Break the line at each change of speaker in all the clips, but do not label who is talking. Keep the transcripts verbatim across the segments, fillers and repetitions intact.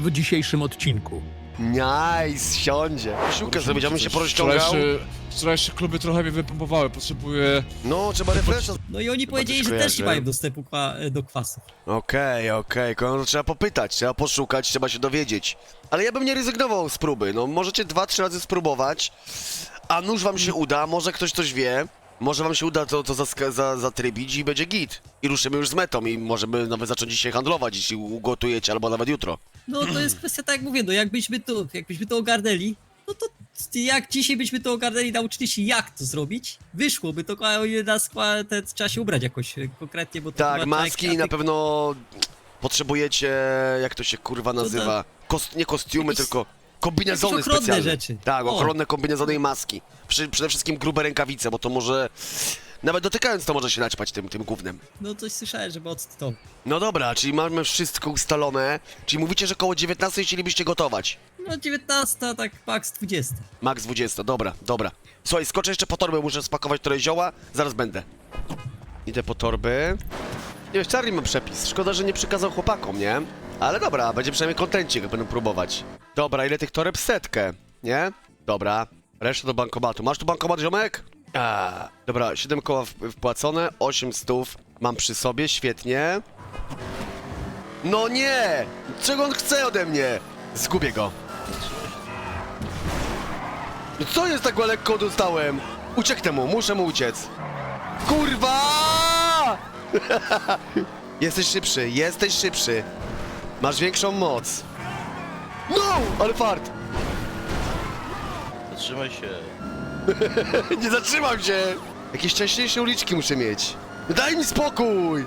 w dzisiejszym odcinku.
Nice, siądzie. Siłkę zrobić, ja bym się porozciągał.
Wczorajsze, wczorajsze kluby trochę mnie wypompowały, potrzebuję...
No, trzeba refresha.
No i oni powiedzieli, że
kojarzę.
też nie mają dostępu kwa do kwasów.
Okej, okej, okay. Trzeba popytać, trzeba poszukać, trzeba się dowiedzieć. Ale ja bym nie rezygnował z próby, no możecie dwa, trzy razy spróbować, a nuż wam się uda, może ktoś coś wie, może wam się uda to, to zaska- za, zatrybić i będzie git. I ruszymy już z metą i możemy nawet zacząć dzisiaj handlować, jeśli ugotujecie, albo nawet jutro.
No to jest kwestia, tak jak mówię, no jakbyśmy to, jakbyśmy to ogarnęli, no to jak dzisiaj byśmy to ogarnęli, nauczyli się jak to zrobić, wyszłoby to, a nas te, trzeba się ubrać jakoś e, konkretnie, bo to
Tak,
chyba
maski
jak-
na pewno potrzebujecie, jak to się kurwa nazywa, Kost, nie kostiumy,
Jakieś-
tylko kombinezony
jakieś ochronne
specjalne.
rzeczy.
Tak,
O.
ochronne kombinezony i maski. Przy, przede wszystkim grube rękawice, bo to może, nawet dotykając to może się naćpać tym, tym gównem.
No coś słyszałem, żeby to.
No dobra, czyli mamy wszystko ustalone, czyli mówicie, że koło dziewiętnastej chcielibyście gotować.
No dziewiętnasta, tak max dwudziesta.
Max dwudziesta, dobra, dobra. Słuchaj, skoczę jeszcze po torbę, muszę spakować trochę zioła, zaraz będę. Idę po torby. Nie wiesz, Charlie ma przepis, szkoda, że nie przykazał chłopakom, nie? Ale dobra, będzie przynajmniej kontencik, jak będą próbować. Dobra, ile tych toreb? Setkę, nie? Dobra, resztę do bankomatu. Masz tu bankomat, ziomek? A, dobra, siedem koła w- wpłacone, osiem stów mam przy sobie, świetnie. No nie! Czego on chce ode mnie? Zgubię go. Co jest tak lekko dostałem? Ucieknę mu, muszę mu uciec. Kurwa! Jesteś szybszy, jesteś szybszy. Masz większą moc. No! Ale fart!
Zatrzymaj się.
Nie zatrzymam się! Jakieś szczęśliwsze uliczki muszę mieć. Daj mi spokój!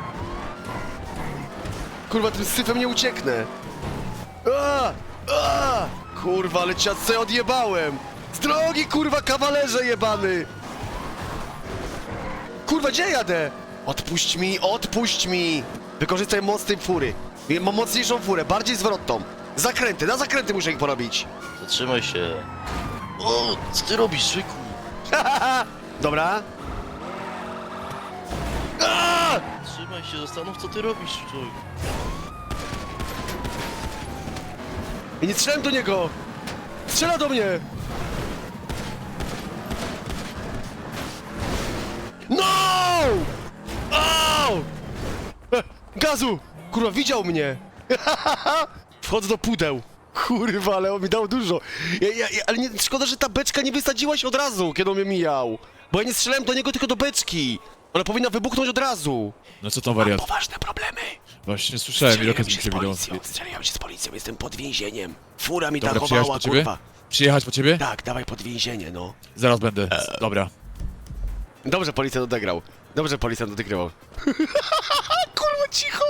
Kurwa, tym syfem nie ucieknę. A! A! Kurwa, ale ciasce odjebałem! Z drogi, kurwa, kawalerze jebany! Kurwa, gdzie jadę? Odpuść mi, odpuść mi! Wykorzystaj moc tej fury. Mam mocniejszą furę, bardziej zwrotną. Zakręty, na zakręty muszę ich porobić.
Zatrzymaj się. O, co ty robisz, Szyku?
Dobra. A!
Zatrzymaj się, zastanów, co ty robisz, człowiek.
I nie strzelałem do niego! Strzela do mnie! No! Au! E, Gazu! Kurwa, widział mnie! Wchodzę do pudeł. Kurwa, ale on mi dał dużo. Ja, ja, ja, ale nie, szkoda, że ta beczka nie wysadziła się od razu, kiedy on mnie mijał. Bo ja nie strzelałem do niego, tylko do beczki. Ona powinna wybuchnąć od razu.
No co tam wariat?
Poważne problemy.
Właśnie słyszałem, ile okazji mi się widał.
Strzeliłem się z policją, jestem pod więzieniem. Fura mi
Dobra, przyjechać
dachowała,
po ciebie?
kurwa.
Przyjechać po ciebie?
Tak, dawaj pod więzienie, no.
Zaraz będę. Dobra.
Dobrze policjant odegrał. Dobrze policjant odegrał. Kurwa, cicho!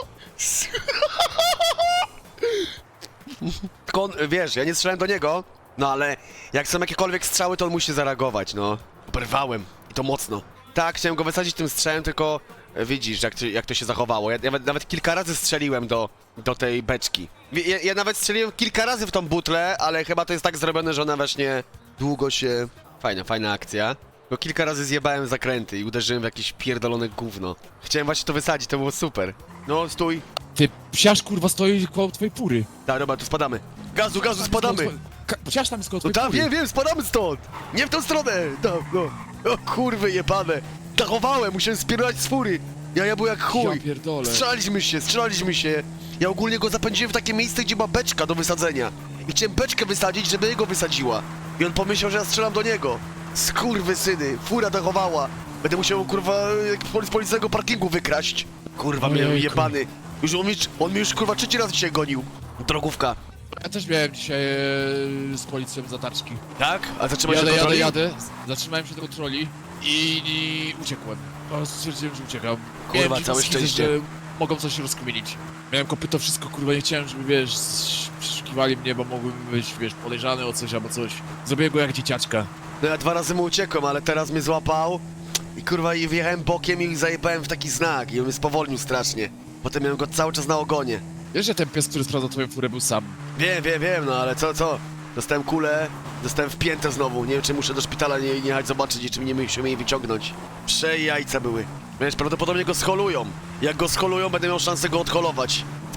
Tylko on, wiesz, ja nie strzelałem do niego, no ale jak są jakiekolwiek strzały, to on musi zareagować, no. Oberwałem i to mocno. Tak, chciałem go wysadzić tym strzałem, tylko e, widzisz, jak, to- jak to się zachowało. Ja nawet, nawet kilka razy strzeliłem do, do tej beczki. Wie- Ja, ja nawet strzeliłem kilka razy w tą butlę, ale chyba to jest tak zrobione, że ona właśnie długo się... Fajna, fajna akcja. Bo kilka razy zjebałem zakręty i uderzyłem w jakieś pierdolone gówno. Chciałem właśnie to wysadzić, to było super. No, stój.
Ty, psiarz kurwa stoi koło twojej pury.
Tak, dobra, tu spadamy. Gazu, gazu, spadamy!
Ka- Psiarz tam jest koło
No
twojej
tam,
pury.
wiem, wiem, spadamy stąd! Nie w tą stronę! Tam, no. O kurwy jebane! Dachowałem, musiałem spierdalać z fury! Ja, ja był jak chuj!
Ja pierdolę.
Strzelaliśmy się, strzelaliśmy się! Ja ogólnie go zapędziłem w takie miejsce, gdzie ma beczka do wysadzenia. I chciałem beczkę wysadzić, żeby jego wysadziła. I on pomyślał, że ja strzelam do niego. Skurwy syny, fura dachowała. Będę musiał, kurwa, jak z policyjnego parkingu wykraść. Kurwa, mnie
Ojejku.
jebany. Już on, mi, on mnie już, kurwa, trzeci raz dzisiaj gonił. Drogówka.
Ja też miałem dzisiaj e, z policją zatarczki.
Tak? A zatrzymaj się
Jadę,
do
jadę,
kontroli?
jadę. Zatrzymałem się do kontroli i, i uciekłem. No, stwierdziłem, że uciekam.
Kurwa,
Miałem dziwne
całe
schizę,
szczęście.
że mogą coś rozkminić. Miałem kopyto, wszystko, kurwa, nie chciałem, żeby, wiesz, przeszukiwali mnie, bo mogłem być, wiesz, podejrzany o coś albo coś. Zrobiłem go jak dzieciaczka.
No ja dwa razy mu uciekłem, ale teraz mnie złapał i kurwa i wjechałem bokiem i zajebałem w taki znak i on mnie spowolnił strasznie. Potem miałem go cały czas na ogonie.
Wiesz, że ten pies, który sprawdzał twoją furę, był sam.
Wiem, wiem, wiem, no ale co, co? Dostałem kulę, dostałem wpięte znowu. Nie wiem, czy muszę do szpitala nie, nie jechać zobaczyć, czy mnie musimy jej wyciągnąć. Prze jajca były. Wiesz, prawdopodobnie go scholują. Jak go scholują, będę miał szansę go odholować.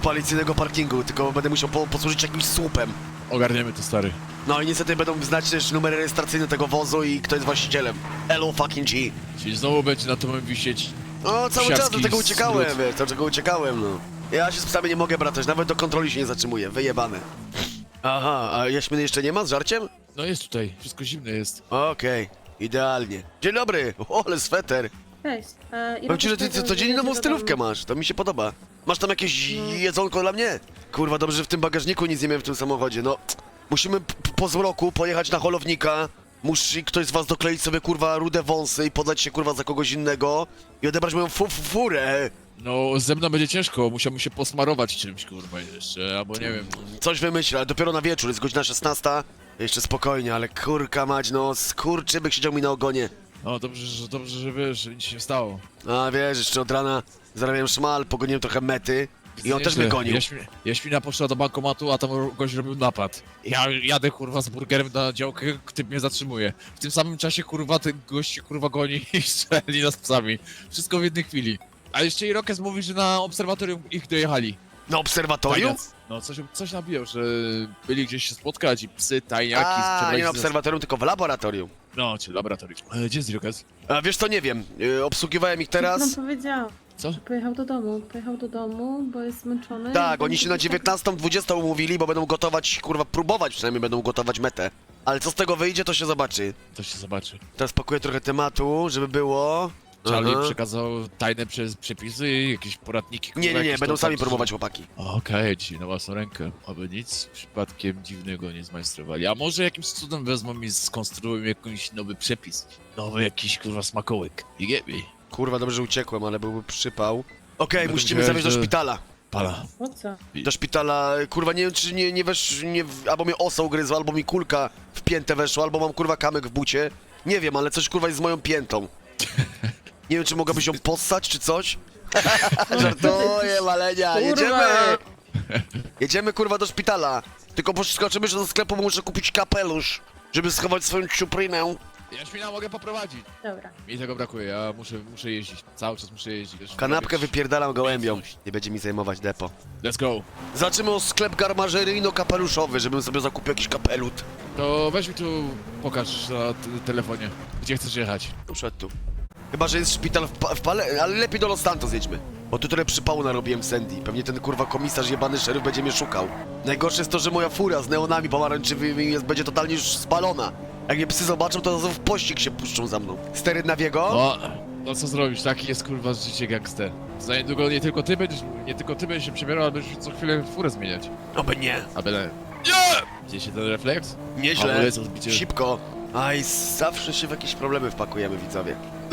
policyjnego parkingu, tylko będę musiał po, posłużyć jakimś słupem.
Ogarniemy to, stary.
No i niestety będą znać też numer rejestracyjny tego wozu i kto jest właścicielem. Hello fucking G.
Czyli znowu będzie na to mam wisieć.
No cały czas do
Psiarski
tego uciekałem,
smród.
wiesz, do czego uciekałem, no. Ja się z psami nie mogę bratać, nawet do kontroli się nie zatrzymuję, wyjebane. Aha, a jaśminy jeszcze nie ma z żarciem?
No jest tutaj, wszystko zimne jest.
Okej, idealnie. Dzień dobry, o, ale sweter.
Cześć. E,
Powiem ci, że ty co- codziennie nową stylówkę masz, to mi się podoba. Masz tam jakieś jedzonko dla mnie? Kurwa, dobrze, że w tym bagażniku nic nie miałem w tym samochodzie, no. Musimy p- po zmroku pojechać na holownika. Musi ktoś z was dokleić sobie, kurwa, rude wąsy i podać się, kurwa, za kogoś innego i odebrać moją fu fu furę.
No, ze mną będzie ciężko, musiałbym się posmarować czymś, kurwa, jeszcze, albo nie wiem.
Coś wymyślę, ale dopiero na wieczór, jest godzina szesnasta. Jeszcze spokojnie, ale kurka mać, no, skurczybyk siedział mi na ogonie.
No, dobrze, że, dobrze, że wiesz, że nic się nie stało.
A wiesz, jeszcze od rana zarabiałem szmal, pogoniłem trochę mety i on też mnie gonił.
Jaśmi, Jaśmina poszła do bankomatu, a tam gość robił napad. Ja jadę, kurwa, z burgerem na działkę, typ mnie zatrzymuje. W tym samym czasie, kurwa, ten gość się, kurwa, goni i strzeli nas psami. Wszystko w jednej chwili. A jeszcze Irokes mówi, że na obserwatorium ich dojechali.
Na obserwatorium?
Tajniac. No, coś, coś nabijał, że byli gdzieś się spotkać i psy, tajniaki,
A, nie
sprzedawali
na
z-
obserwatorium, tylko w laboratorium.
No, czy laboratorium. E, gdzie jest Irokes?
A wiesz co, nie wiem, y, obsługiwałem ich
Teraz?
teraz.
Nam powiedział,
Co?
że pojechał do domu. Pojechał do domu, bo jest zmęczony.
Tak,
i
oni się na
będzie
dziewiętnastą dwudziestą umówili, bo będą gotować, kurwa, próbować przynajmniej będą gotować metę. Ale co z tego wyjdzie, to się zobaczy.
To się zobaczy.
Teraz pakuję trochę tematu, żeby było.
Charlie
Aha.
przekazał tajne przez przepisy, jakieś poradniki. kurwa,
Nie, nie, nie,
jakieś
będą
tam-
sami próbować chłopaki.
Okej, czyli na własną rękę. Aby nic przypadkiem dziwnego nie zmajstrowali. A może jakimś cudem wezmą i skonstruują jakiś nowy przepis. Nowy jakiś, kurwa, smakołyk. You get me?
Kurwa, dobrze, że uciekłem, ale byłby przypał. Okej,
Będę
musimy
wiedział,
zawieźć do
że-
szpitala.
Pala.
Po co?
Do szpitala, kurwa, nie wiem czy nie, nie wesz, nie, w- albo mnie osa ugryzła, albo mi kulka w piętę weszła, albo mam, kurwa, kamyk w bucie. Nie wiem, ale coś, kurwa, jest z moją piętą. Nie wiem, czy mogłabyś ją possać, czy coś? Żartuję, malenia, jedziemy! Jedziemy, kurwa, do szpitala. Tylko poskoczymy, że do sklepu muszę kupić kapelusz, żeby schować swoją ciuprynę.
Jaśmina, mogę poprowadzić.
Dobra.
Mi tego brakuje, ja muszę, muszę jeździć. Cały czas muszę jeździć. Wiesz,
Kanapkę
robić-
wypierdalam gołębią. Nie będzie mi zajmować depo.
Let's go.
Zaczniemy o sklep garmażeryjno-kapeluszowy, żebym sobie zakupił jakiś kapelut.
To weź mi tu, pokaż na t- telefonie, gdzie chcesz jechać.
Muszę tu. Chyba, że jest szpital w, pa w Pale, ale lepiej do Los Santos jedźmy. Bo tu trochę przypału narobiłem Sandy. Pewnie ten kurwa komisarz jebany szeryf będzie mnie szukał. Najgorsze jest to, że moja fura z neonami pomarańczywymi jest, będzie totalnie już spalona. Jak mnie psy zobaczą, to w pościg się puszczą za mną. Stery na wiego?
No, no co zrobić, taki jest kurwa życie gangster. Za niedługo nie tylko ty będziesz, nie tylko ty będziesz się przebierał, ale będziesz co chwilę furę zmieniać.
Oby nie.
A byle... Nie! Gdzie się ten refleks?
Nieźle.
Hamulec, odbicie.
Szybko. Aj, zawsze się w jakieś problemy wpakujemy, widzowie.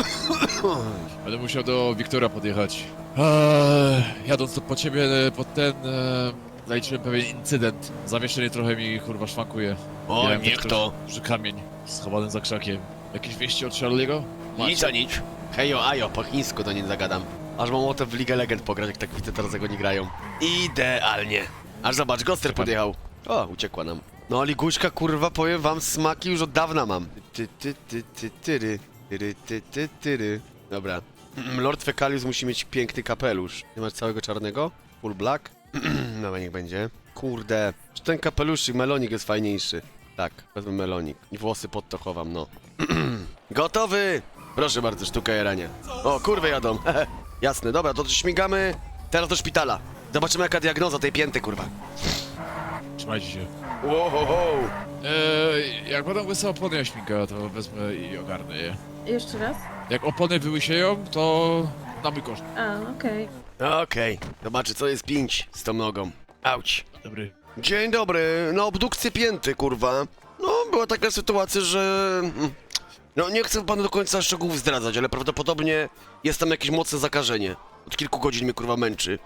Będę musiał do Wiktora podjechać. Eee, jadąc tu po ciebie, e, pod ten... E, zaliczyłem pewien incydent. Zawieszenie trochę mi kurwa szwankuje.
O,
Miałem
niech
tak
to.
Duży kamień schowany za krzakiem. Jakieś wieści od Charlie'ego?
Nic a nic. Hejo, ajo, po chińsku do niej zagadam. Aż mam ochotę w Ligę Legend pograć, jak tak widzę teraz jak oni grają. Idealnie. Aż zobacz, Goster
Czekam.
podjechał. O, uciekła nam. No, liguśka, kurwa, powiem wam, smaki już od dawna mam. Ty, ty, ty, ty, tyry. Tyry, ty, ty, tyry. Dobra. Lord Fekalius musi mieć piękny kapelusz. Nie masz całego czarnego? Full black? No, niech będzie. Kurde. Czy ten kapeluszyk, melonik jest fajniejszy? Tak, wezmę melonik. I włosy pod to chowam, no. Gotowy! Proszę bardzo, sztuka jarania. O, kurwy jadą. Jasne, dobra, to śmigamy teraz do szpitala. Zobaczymy jaka diagnoza tej pięty, kurwa.
Trzymajcie się.
Wow, wow, wow.
Eee, jak będą łyse opony Jaśminka, to wezmę i ogarnę je.
Jeszcze raz?
Jak opony wyłysieją, to na mój koszt.
A, okej.
Okej, zobaczy co jest pięć z tą nogą. Auć.
Dobry.
Dzień dobry, na obdukcję pięty, kurwa. No, była taka sytuacja, że... mm, No, nie chcę panu do końca szczegółów zdradzać, ale prawdopodobnie jest tam jakieś mocne zakażenie. Od kilku godzin mnie, kurwa, męczy.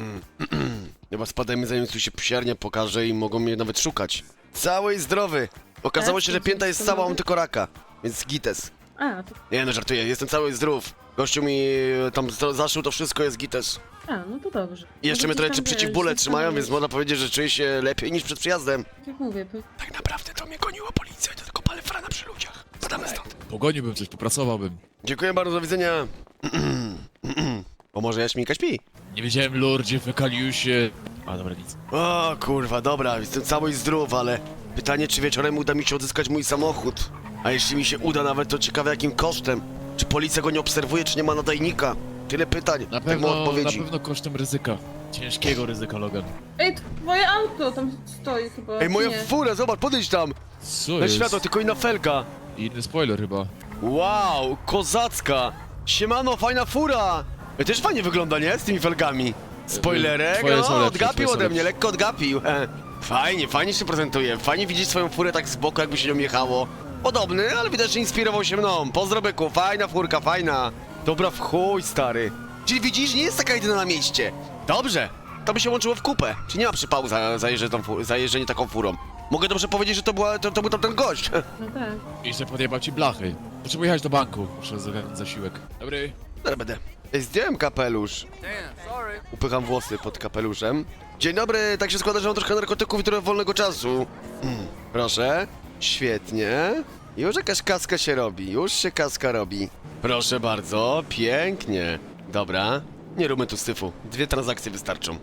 Chyba spadajmy, zanim tu się psiarnia pokaże i mogą mnie nawet szukać. Cały i zdrowy. Okazało
Tak,
się, że
to
pięta jest
to
cała,
mogę?
mam tylko raka. Więc gites.
A, to...
Nie no, żartuję, jestem cały i zdrów. Gościu mi e, tam z- zaszył to wszystko, jest gites.
A, no to dobrze.
I jeszcze mnie
Może
trochę
gdzieś
czy
tam,
przeciwbóle
wiesz,
trzymają, więc
zastanowić.
można powiedzieć, że czuję się lepiej niż przed przyjazdem.
Tak jak mówię, po...
Tak naprawdę to mnie goniła policja, to tylko palefrana przy ludziach. Spadamy stąd.
Pogoniłbym coś, popracowałbym.
Dziękuję bardzo, do widzenia. O, może Jaśminka śpi?
Nie wiedziałem, Lordzie Fekaliusie, A dobra, nic.
O kurwa, dobra, jestem cały i zdrów, ale pytanie, czy wieczorem uda mi się odzyskać mój samochód. A jeśli mi się uda nawet, to ciekawe jakim kosztem. Czy policja go nie obserwuje, czy nie ma nadajnika? Tyle pytań,
Na
tak
pewno,
mało
na
odpowiedzi.
pewno kosztem ryzyka. Ciężkiego ryzyka, Logan.
Ej, twoje auto tam stoi chyba.
Ej, moja
nie?
fura, zobacz, podejdź tam!
Co
Na
jest?
światło, tylko inna felga.
Inny spoiler chyba.
Wow, kozacka! Siemano, fajna fura! Ej, też fajnie wygląda, nie? Z tymi felgami. Spoilerek,
Twoje są
no,
lepsze,
odgapił
twoje są
ode mnie,
lepsze.
lekko odgapił. E, Fajnie, fajnie się prezentuje. Fajnie widzieć swoją furę tak z boku, jakby się nią jechało. Podobny, ale widać, że inspirował się mną. Pozdro byku, fajna furka, fajna. Dobra w chuj, stary. Czyli widzisz, nie jest taka jedyna na mieście. Dobrze, to by się łączyło w kupę. Czy nie ma przypału za, za, jeżdżę tą fu- za jeżdżenie taką furą? Mogę dobrze powiedzieć, że to, była, to, to był tamten gość.
No tak.
I że podjebał ci blachy. Potrzebuję jechać do banku. Muszę zagarnąć zasiłek. Dobry.
Dobra, będę. Ej, zdjąłem kapelusz. Upycham włosy pod kapeluszem. Dzień dobry, tak się składa, że mam trochę narkotyków i trochę wolnego czasu. Mm, Proszę. Świetnie. Już jakaś kaska się robi, już się kaska robi. Proszę bardzo, pięknie. Dobra, nie róbmy tu syfu. Dwie transakcje wystarczą.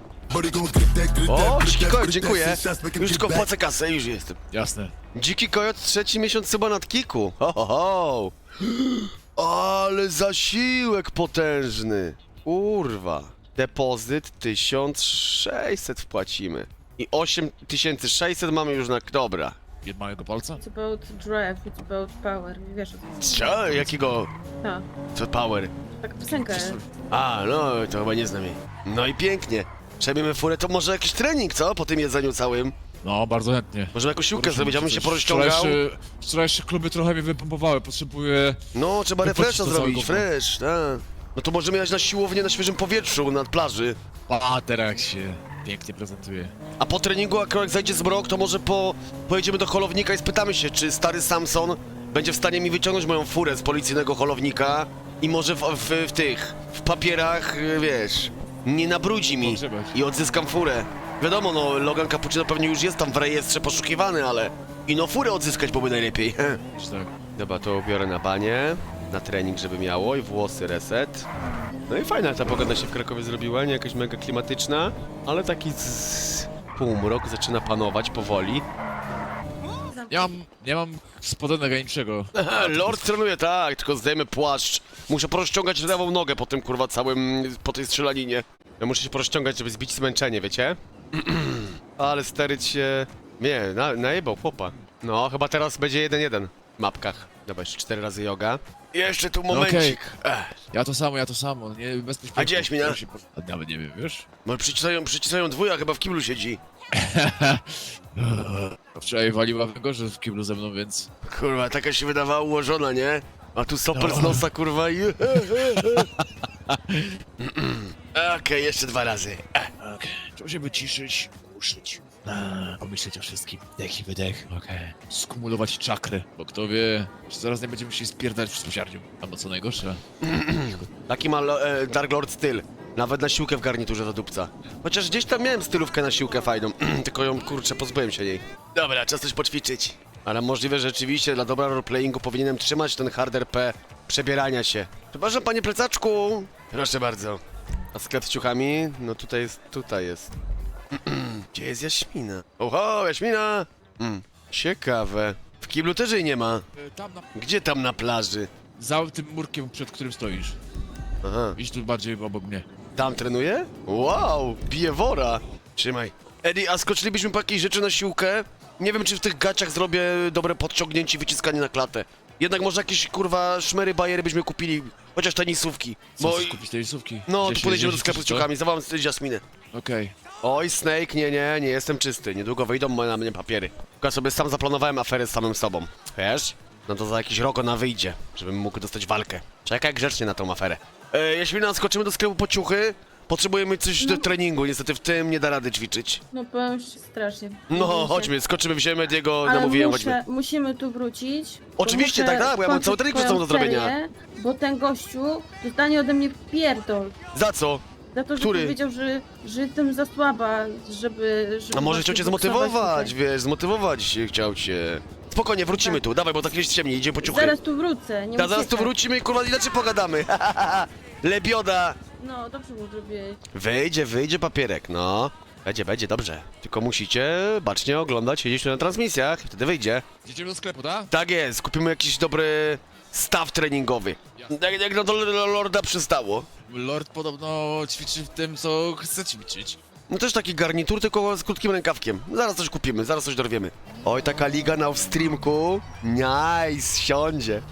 O, dziki kojot, dziękuję. Już tylko płacę kasę i już jestem.
Jasne.
Dziki kojot, trzeci miesiąc chyba nad kiku. Ho, ho, ho. Ale zasiłek potężny. Kurwa. Depozyt tysiąc sześćset wpłacimy. I osiem tysięcy sześćset mamy już na... Dobra.
Jed małego palca?
It's about drive, it's about power. Wiesz o co?
Co? Jakiego...
Tak.
Co power?
Taka piosenka jest.
A, no, to chyba nie znam jej. No i pięknie. Przejmiemy furę, to może jakiś trening, co? Po tym jedzeniu całym.
No, bardzo chętnie.
Może jakąś siłkę
Poruszymy
zrobić, ja bym się
coś.
porozciągał.
Wczorajsze, wczorajsze kluby trochę mnie wypompowały. Potrzebuję...
No, trzeba
Wypłacić
refresha
to
zrobić,
całego.
fresh, tak. No to możemy jechać na siłownię na świeżym powietrzu, nad plaży.
A, teraz się pięknie prezentuje.
A po treningu, jak jak zajdzie zmrok, to może po... pojedziemy do holownika i spytamy się, czy stary Samson będzie w stanie mi wyciągnąć moją furę z policyjnego holownika i może w, w, w tych, w papierach, y, wiesz, nie nabrudzi mi
Może być.
i odzyskam furę. Wiadomo, no, Logan Cappuccino pewnie już jest tam w rejestrze poszukiwany, ale... I no furę odzyskać byłoby najlepiej.
Czy tak?
Dobra, to ubiorę na banie, na trening, żeby miało i włosy reset. No i fajna ta pogoda się w Krakowie zrobiła, nie jakaś mega klimatyczna, ale taki z... półmrok zaczyna panować powoli.
Nie mam, nie mam spodenek ani niczego.
Aha, Lord trenuje, tak, tylko zdejmę płaszcz. Muszę porozciągać lewą nogę po tym, kurwa, całym, po tej strzelaninie. Ja muszę się porozciągać, żeby zbić zmęczenie, wiecie? Ale steryć się... Nie, na, najebał chłopa. No, chyba teraz będzie jeden jeden w mapkach. Dobra, jeszcze cztery razy yoga. Jeszcze tu momencik.
Okej.
Ech,
Ja to samo, ja to samo. Nie, bez pośpiechu.
A gdzie Jaśmina?
Ja się po- A nawet nie wiem, wiesz?
może przycisają, przycisają dwója, chyba w kiblu siedzi.
Wczoraj waliła wego, że w kiblu ze mną, więc...
Kurwa, taka się wydawała ułożona, nie? A tu soper z
No.
nosa, kurwa i... Okej, jeszcze dwa razy. Ech.
Okej. Trzeba się wyciszyć, uszyć. A, pomyśleć o wszystkim. Dech i wydech. Okej. Skumulować czakry. Bo kto wie, czy zaraz nie będziemy musieli spierdać w spociarniu. Albo co najgorsze.
Taki ma lo- e, Dark Lord styl. Nawet na siłkę w garniturze do dupca. Chociaż gdzieś tam miałem stylówkę na siłkę fajną, tylko ją, kurczę, pozbyłem się jej. Dobra, czas coś poćwiczyć. Ale możliwe, że rzeczywiście dla dobra roleplayingu powinienem trzymać ten hard R P przebierania się. Przepraszam, panie plecaczku. Proszę bardzo. A sklep z ciuchami? No tutaj jest, tutaj jest. Gdzie jest Jaśmina? Oho, Jaśmina! Mm, ciekawe. W kiblu też jej nie ma.
E, Tam na...
Gdzie tam na plaży?
Za tym murkiem, przed którym stoisz.
Aha.
Idź tu bardziej obok mnie.
Tam trenuje? Wow, bije wora. Trzymaj. Eddie, a skoczylibyśmy po jakiejś rzeczy na siłkę? Nie wiem, czy w tych gaciach zrobię dobre podciągnięcie i wyciskanie na klatę. Jednak może jakieś, kurwa, szmery, bajery byśmy kupili. Chociaż tenisówki.
Co,
Bo...
chcesz kupić tenisówki?
No,
Gdzieś
to
się
podejdziemy do
zjeździć,
sklepu z
czy co?
ciuchami. Zawołam z Jasminę.
Okej.
Oj, Snake, nie, nie, nie jestem czysty. Niedługo wyjdą na mnie papiery. Tylko ja sobie sam zaplanowałem aferę z samym sobą. Wiesz? No to za jakiś rok ona wyjdzie, żebym mógł dostać walkę. Czekaj grzecznie na tą aferę. E, Jaśmina, skoczymy do sklepu po ciuchy. Potrzebujemy coś do treningu, niestety w tym nie da rady ćwiczyć.
No powiem ci strasznie.
No,
Boję się.
chodźmy, skoczymy, wziąłem Ediego,
Ale
namówiłem,
muszę,
chodźmy.
musimy tu wrócić. bo
Oczywiście,
muszę
tak, tak, bo ja mam
skończyć
cały trening przed
twoją
sobą do zrobienia.
serię, Bo ten gościu dostanie ode mnie pierdol.
Za co?
Za to, że
Który?
powiedział, że, że jestem za słaba, żeby... żeby
A może
właśnie
chciał cię
boksować
zmotywować,
tutaj.
wiesz, zmotywować się chciał cię. Spokojnie, wrócimy
Tak.
tu, dawaj, bo tak jest ciemniej, idziemy po ciuchy.
Zaraz tu wrócę, nie
Ta, zaraz tu
uciekaj.
wrócimy i kurwa inaczej pogadamy. Lebioda.
No, dobrze mu zrobiłeś.
Wyjdzie, wyjdzie papierek, no. Będzie, będzie, dobrze. Tylko musicie bacznie oglądać, siedzieć tu na transmisjach i wtedy wyjdzie.
Idziemy do sklepu, tak?
Tak jest, kupimy jakiś dobry staw treningowy. Jak, jak na to Lorda przystało.
Lord podobno ćwiczy w tym, co chce ćwiczyć.
No też taki garnitur, tylko z krótkim rękawkiem. Zaraz coś kupimy, zaraz coś dorwiemy. Oj, taka liga na streamku. Nice, siądzie.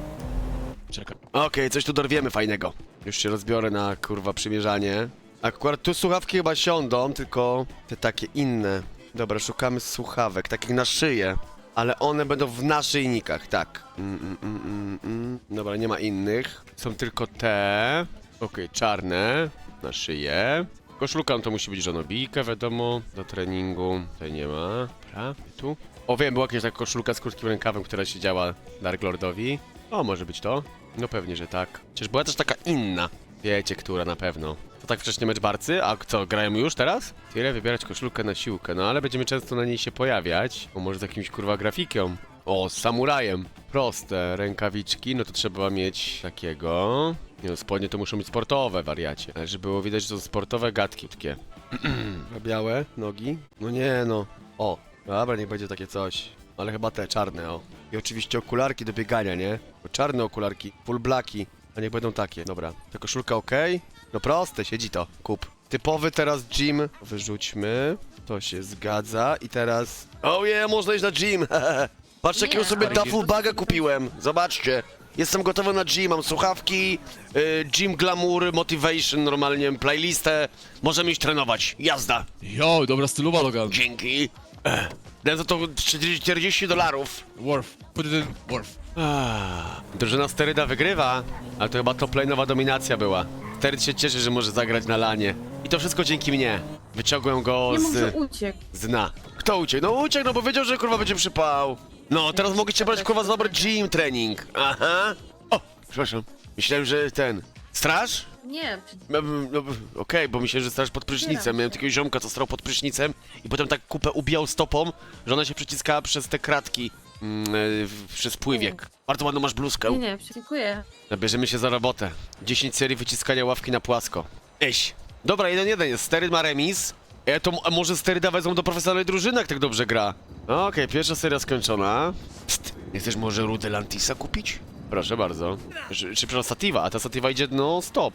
Czekaj.
Okej, coś tu dorwiemy fajnego. Już się rozbiorę na, kurwa, przymierzanie. Akurat tu słuchawki chyba siądą, tylko te takie inne. Dobra, szukamy słuchawek, takich na szyję. Ale one będą w naszyjnikach, tak. Mm, mm, mm, mm, mm. Dobra, nie ma innych. Są tylko te. Okej, czarne. Na szyję. Koszulka no to musi być żonobijka, wiadomo. Do treningu. Tutaj nie ma. Dobra, tu. O, wiem, była jakaś taka koszulka z krótkim rękawem, która siedziała Dark Lordowi. O, może być to? No pewnie, że tak. Chociaż była też taka inna. Wiecie, która na pewno. To tak wcześniej mecz barcy? A co, grają już teraz? Tyle wybierać koszulkę na siłkę, no ale będziemy często na niej się pojawiać. O, może z jakimś kurwa grafikiem. O, z samurajem. Proste rękawiczki, no to trzeba mieć takiego. Nie no, spodnie to muszą być sportowe, wariacie. Ale żeby było widać, że to są sportowe gadki takie. Białe nogi? No nie no. O, dobra, niech będzie takie coś. Ale chyba te czarne, o. I oczywiście okularki do biegania, nie? Bo czarne okularki, full blacki. A niech będą takie, dobra. Ta koszulka ok? No proste, siedzi to, kup. Typowy teraz gym. Wyrzućmy. To się zgadza i teraz... Oh yeah, można iść na gym! Patrz jakiego
Nie,
sobie
ale-
duffel baga kupiłem. Zobaczcie. Jestem gotowy na gym, mam słuchawki, y, gym glamour, motivation, normalnie playlistę. Możemy iść trenować. Jazda.
Jo, dobra stylowa, Logan.
Dzięki. Ech. Dam za to czterdzieści dolarów.
Worth. Put it in worth.
Ah, drużyna Steryda wygrywa, ale to chyba top lane'owa dominacja była. Steryd się cieszy, że może zagrać na lanie. I to wszystko dzięki mnie. Wyciągłem go
Nie mów, że
z...
uciekł.
z dna. Kto uciekł? No uciekł, no bo wiedział, że kurwa będzie przypał. No, teraz mogliście brać kurwa za dobry gym trening. Aha. O, przepraszam. Myślałem, że ten... Straż?
Nie,
No, no, Okej, bo myślałem, że straż pod prysznicem. Miałem takiego ziomka, co stał pod prysznicem i potem tak kupę ubijał stopą, że ona się przyciskała przez te kratki. Mm, y, w- przez pływiek. Bardzo ładną masz bluzkę.
nie, nie, dziękuję.
Bierzemy się za robotę. dziesięć serii wyciskania ławki na płasko. Eś. Dobra, jeden jeden jest. Steryd ma remis. E, to a może Steryda wezmą do profesjonalnej drużyny, jak tak dobrze gra? No, Okej, pierwsza seria skończona. Psst, nie chcesz może Rudę Lantisa kupić? Proszę bardzo. Czy, czy przepraszam, Sativa, a ta Sativa idzie no stop.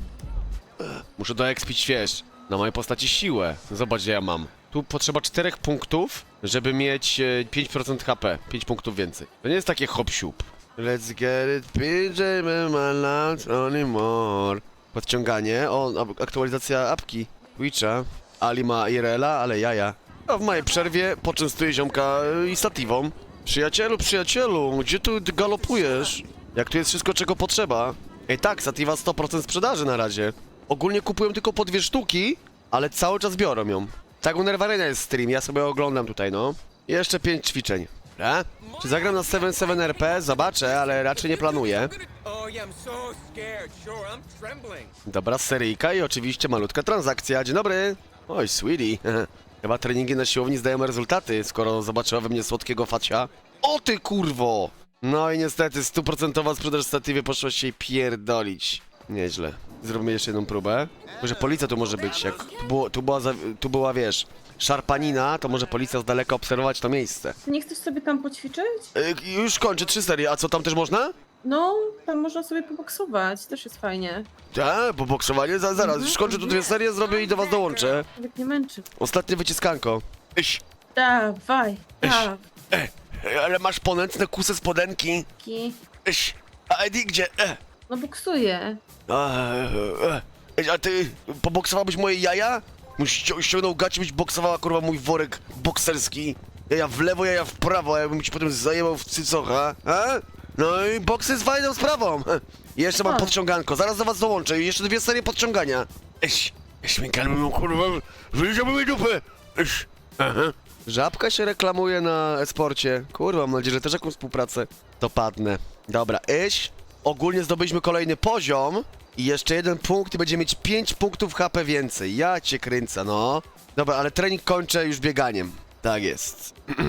Ech, Muszę doekspić, wiesz, na mojej postaci siłę. Zobacz, gdzie ja mam. Tu potrzeba czterech punktów, żeby mieć e, pięć procent H P. pięć punktów więcej. To nie jest takie hop-siup. Let's get it, P J my life anymore. Podciąganie, o, ab- aktualizacja apki Twitcha. Ali ma Irela, ale jaja. A w mojej przerwie poczęstuję ziomka y, i Sativą. Przyjacielu, przyjacielu, gdzie tu galopujesz? Jak tu jest wszystko, czego potrzeba? Ej tak, Sativa sto procent sprzedaży na razie. Ogólnie kupują tylko po dwie sztuki, ale cały czas biorą ją. Tak u Nerwarena jest stream, ja sobie oglądam tutaj, no. Jeszcze pięć ćwiczeń. Dobra? Czy zagram na siedem siedem R P? Zobaczę, ale raczej nie planuję.
Oh yeah, I'm so scared. Sure, I'm trembling.
Dobra, seryjka i oczywiście malutka transakcja. Dzień dobry. Oj, sweetie. Chyba treningi na siłowni zdają rezultaty, skoro zobaczyła we mnie słodkiego facia. O ty kurwo! No i niestety stuprocentowa sprzedaż statywy poszła się jej pierdolić. Nieźle. Zrobimy jeszcze jedną próbę. Może policja tu może być, jak tu, było, tu, była, za, tu była, wiesz, szarpanina, to może policja z daleka obserwować to miejsce.
Ty nie chcesz sobie tam poćwiczyć?
Y, już kończę, trzy serie, a co tam też można?
No, tam można sobie poboksować, też jest fajnie.
Tak, bo boksowanie, za, zaraz, już kończę tu dwie serie, zrobię i do was dołączę.
Nawet nie męczy.
Ostatnie wyciskanko. Iś.
Dawaj, dawaj.
E, ale masz ponętne kusy spodenki. Iś. A Eddie gdzie? E.
No boksuję.
A, e, e. A ty poboksowałbyś moje jaja? Musisz ści- ściągnął gacie, byś boksowała kurwa mój worek bokserski. Jaja w lewo, jaja w prawo, a ja bym ci potem zajebał w cycocha. A? No i boks jest fajną sprawą. E. I jeszcze mam
O.
podciąganko, zaraz do was dołączę i jeszcze dwie serie podciągania. Iś. Iś mi kalmy, kurwa, wyjdziemy mi dupę. Iś. Aha. Żabka się reklamuje na esporcie. Kurwa, mam nadzieję, że też jakąś współpracę dopadnę. Dobra, iść. Ogólnie zdobyliśmy kolejny poziom. I jeszcze jeden punkt i będziemy mieć pięć punktów H P więcej. Ja cię kręcę, no. Dobra, ale trening kończę już bieganiem. Tak jest.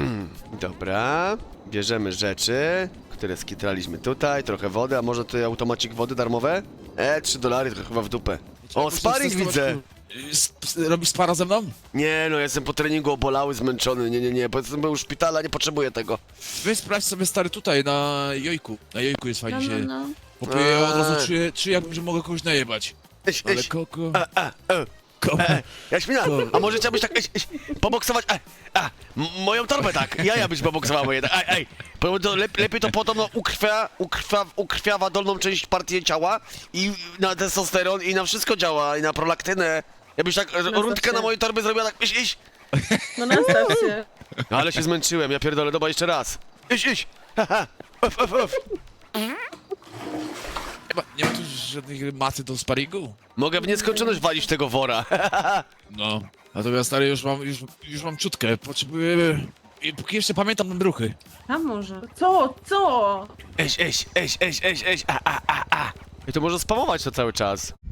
Dobra. Bierzemy rzeczy, które skitraliśmy tutaj. Trochę wody, a może tutaj automacik wody darmowe? E, trzy dolary, to chyba w dupę. O, sparring widzę.
Sp- robisz spara ze mną?
Nie no, jestem po treningu obolały, zmęczony, nie, nie, nie, bo jestem był w szpitala, nie potrzebuję tego.
Weź sprawdź sobie stary tutaj, na jojku. Na jojku jest fajnie
No, no,
się...
no.
Bo ja od
Eee.
razu czuję, czuję jakbym, że mogę kogoś najebać.
Eś,
Ale
eś,
koko...
a, a, e,
Ko...
e, Jaśmina, a może chciałbyś tak, eś, eś, poboksować, e, a, m- moją torbę tak, jaja byś poboksował jednak, ej, ej, bo to lep, lepiej to podobno ukrwia, ukrwia, ukrwiawa dolną część partii ciała i na testosteron i na wszystko działa, i na prolaktynę. Jakbyś tak r- rundkę na mojej torby zrobiła tak, iś, iś.
No nastaw się.
No ale się zmęczyłem, ja pierdolę, dobra, jeszcze raz. Iś, iś, haha, uf, uf, uf.
Nie ma, nie ma tu żadnych maty do sparingu?
Mogę w nieskończoność walić w tego wora.
No. Natomiast stary, już mam, już, już mam czutkę, potrzebuję... I póki jeszcze pamiętam ten ruchy.
A może? Co? Co?
Eś, eś, eś, eś, eś, eś, a, a, a, a. I to może spamować to cały czas.